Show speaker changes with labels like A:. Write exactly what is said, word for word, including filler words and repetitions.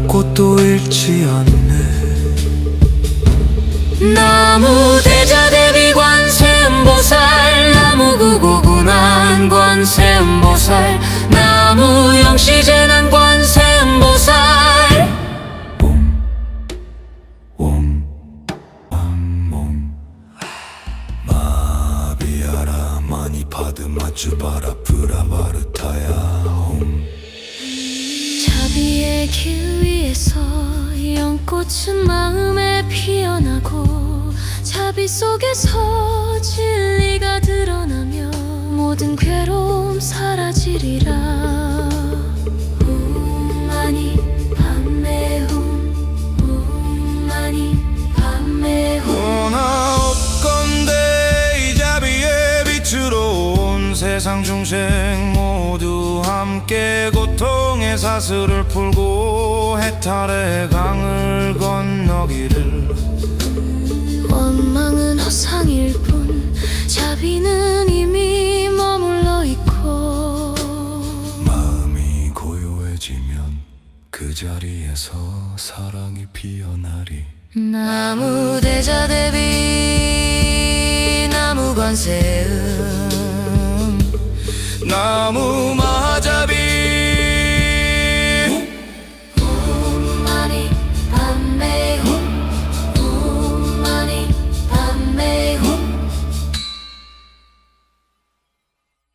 A: 꽃도 잃지 않네.
B: 나무 대자 대비 관세음보살, 나무 구고군한 관세음보살, 나무 영시재난 관세음보살.
A: 옴 암몽 마비아라 마니파드 마추바라 프라바르타야 옴.
B: 자비의 길 위에서 연꽃은 마음에 피어나고, 자비 속에서 진리가 드러나며 모든 괴로움 사라지리라. 옴 마니 밤매 옴, 옴 마니 밤매 옴.
C: 원하 없건대 이 자비의 빛으로 온 세상 중생 모두 함께 고통의 사슬을 풀고 해탈의 강을 건너기를.
B: 원망은 허상일 뿐, 자비는 이미 머물러 있고.
A: 마음이 고요해지면 그 자리에서 사랑이 피어나리.
B: 나무 대자 대비 나무 관세음,
C: 나무